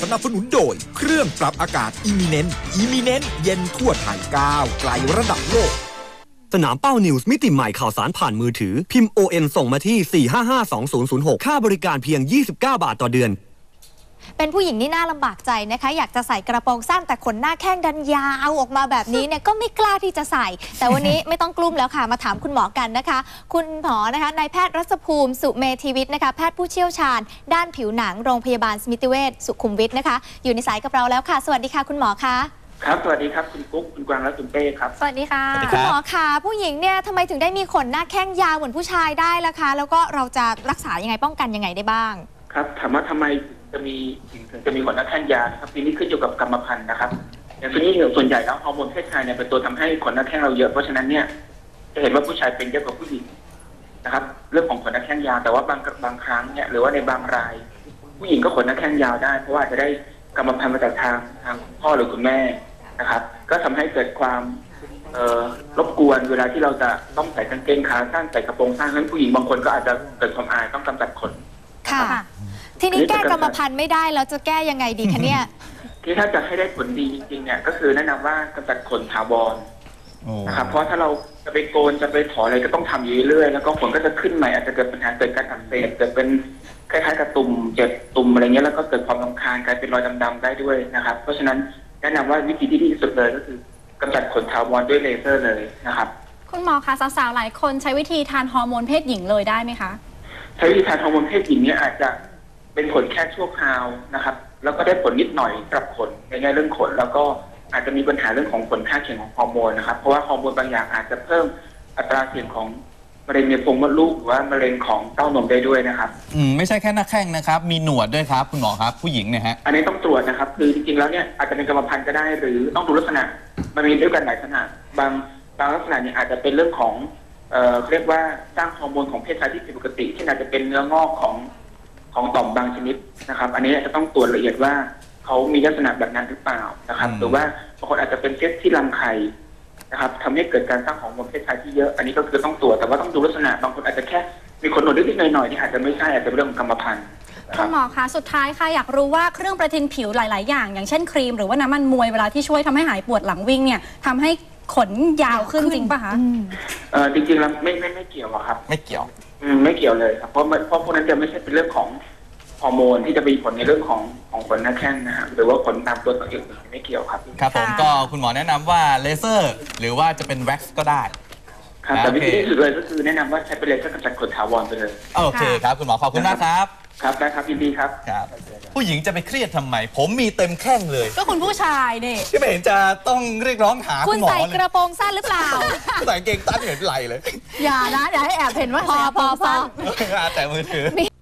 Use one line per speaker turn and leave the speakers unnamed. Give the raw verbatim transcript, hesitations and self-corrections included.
สนับสนุนโดยเครื่องปรับอากาศ Eminent Eminent เย็นทั่วไทยก้าวไกลระดับโลก
สนามเป้านิวส์มิติใหม่ข่าวสารผ่านมือถือพิมพ์ โอ เอ็น ส่งมาที่สี่ห้าห้าสองศูนย์ศูนย์หกค่าบริการเพียงยี่สิบเก้าบาทต่อเดือน
เป็นผู้หญิงนี่น่าลำบากใจนะคะอยากจะใส่กระโปรงสั้นแต่ขนหน้าแข้งดันยาวออกมาแบบนี้เนี่ยก็ไม่กล้าที่จะใส่แต่วันนี้ไม่ต้องกลุ้มแล้วค่ะมาถามคุณหมอกันนะคะคุณหมอนะคะนายแพทย์รัศภูมิสุเมธีวิทย์นะคะแพทย์ผู้เชี่ยวชาญด้านผิวหนังโรงพยาบาลสมิติเวชสุขุมวิทนะคะอยู่ในสายกับเราแล้วค่ะสวัสดีค่ะคุณหมอคะ
ครับสวัสดีครับคุณกุ๊กคุณกวางและคุณเป้ครับ
สวัสดีค่ะคุณหมอคะผู้หญิงเนี่ยทำไมถึงได้มีขนหน้าแข้งยาวเหมือนผู้ชายได้ล่ะคะแล้วก็เราจะรักษายังไงป้องกันยังไงได้บ้าง
ครับถามว่าทำไมจะมีถึงจะมีขนหน้าแข้งยาวครับทีนี้ขึ้นอยู่กับกรรมพันธุ์นะครับอย่างทีนี้ส่วนใหญ่แล้วฮอร์โมนเพศชายเนี่ยเป็นตัวทำให้ขนหน้าแข้งเราเยอะเพราะฉะนั้นเนี่ยจะเห็นว่าผู้ชายเป็นเยอะกว่าผู้หญิงนะครับเรื่องของขนหน้าแข้งยาวแต่ว่าบางบางครั้งเนี่ยหรือว่าในบางรายผู้หญิงก็ขนหน้าแข้งยาวได้เพราะว่าจะได้กรรมพันธุ์มาจากทางทางพ่อหรือคุณแม่นะครับก็ทำให้เกิดความรบกวนเวลาที่เราจะต้องใส่กางเกงขาสั้นใส่กระโปรงสั้นนั้นผู้หญิงบางคนก็อาจจะเกิดความอายต้องกำจัดขน
ค่ะทีนี้แก้กรรมพันธุ์ไม่ได้แล้วจะแก้ยังไงดีคะเนี่ย
ที่ถ้าจะให้ได้ผลดีจริงๆเนี่ยก็คือแนะนำว่ากำจัดขนถาวรนะครับเพราะถ้าเราจะไปโกนจะไปถอนอะไรก็ต้องทำอยู่เรื่อยๆแล้วก็ขนก็จะขึ้นใหม่อาจจะเกิดปัญหาเกิดการอักเสบเกิดเป็นคล้ายๆกับตุ่มเจ็บตุ่มอะไรเงี้ยแล้วก็เกิดความรำคาญกลายเป็นรอยดำๆได้ด้วยนะครับเพราะฉะนั้นแนะนำว่าวิธีที่ดีที่สุดเลยก็คือกำจัดขนถาวรด้วยเลเซอร์เลยนะครับ
คุณหมอคะสาวๆหลายคนใช้วิธีทานฮอร์โมนเพศหญิงเลยได้ไหมคะ
ใช้วิธีทานฮอร์โมนเพศหญิงเนี่ยอาจจะเป็นผลแค่ชั่วคราวนะครับแล้วก็ได้ผลนิดหน่อยกับขนในแง่เรื่องขนแล้วก็อาจจะมีปัญหาเรื่องของผลข้างเคียงของฮอร์โมนนะครับเพราะว่าฮอร์โมนบางอย่างอาจจะเพิ่มอัตราเสี่ยงของมะเร็งในโพรงมดลูกหรือว่ามะเร็งของเต้านมได้ด้วยนะครับ
อืมไม่ใช่แค่หน้าแข้งนะครับมีหนวดด้วยครับคุณหมอครับผู้หญิงเนี่ยฮะ
อันนี้ต้องตรวจนะครับคือจริงๆแล้วเนี่ยอาจจะเป็นกรรมพันธุ์ก็ได้หรือต้องดูลักษณะมันมีด้วยกันหลายลักษณะบางบางลักษณะเนี่ยอาจจะเป็นเรื่องของเอ่อเรียกว่าสร้างฮอร์โมนของเพศชายที่ผิดปกติเช่นอาจจะเป็นเนื้องอกของของต่อมบางชนิดนะครับอันนี้จะต้องตรวจละเอียดว่าเขามีลักษณะแบบนั้นหรือเปล่านะครับหรือว่าบางคนอาจจะเป็นเซสที่รังไข่นะครับทำให้เกิดการสร้างฮอร์โมนเพศชายที่เยอะอันนี้ก็คือต้องตรวจแต่ว่าต้องดูลักษณะบางคนอาจจะแค่มีขนหนวดนิดๆหน่อยๆที่อาจจะไม่ใช่อาจจะเป็นเรื่องของกรรมพันธุ์
คุณหมอคะสุดท้ายค่ะอยากรู้ว่าเครื่องประทินผิวหลายๆอย่างอย่างเช่นครีมหรือว่าน้ำมันมวยเวลาที่ช่วยทำให้หายปวดหลังวิ่งเนี่ยทำให้ขนยาวขึ้นจริงป่ะคะ
เออจริงๆแล้วไม่ไม่ไม่เกี่ยวครับ
ไม่เกี่ยว
อืมไม่เกี่ยวเลยครับเพราะเพราะพวกนั้นจะไม่ใช่เป็นเรื่องของฮอร์โมนที่จะมีผลในเรื่องของของขนหน้าแข้งนะครับหรือว่าขนตามตัวอื่นไม่เกี่ยวครับ
ครับผมก็คุณหมอแนะนำว่าเลเซอร์หรือว่าจะเป็นแว็กซ์ก็ได้
ครับแต่วิธีที่สุดเลยก็คือแนะนำว่าใช้เป็นเลเซอร์กำจัดขนถาวรไปเลย
โอเคครับคุณหมอขอบคุณมากครับ
ครับได้ครับยินดีครับ
ครับผู้หญิงจะไปเครียดทำไมผมมีเต็มแข้งเลย
ก็คุณผู้ชายเนี่ย
ที่ไม่เห็นจะต้องเรียกร้องหา
คุณหมอเลยคุณใส่กระโปรงสั้นหรือเปล่า
ใส่เกงตั้นเห็นไหลเลย
อย่านะอย่าให้แอบเห็นว่า
พอพอพอ
แต่มือถือ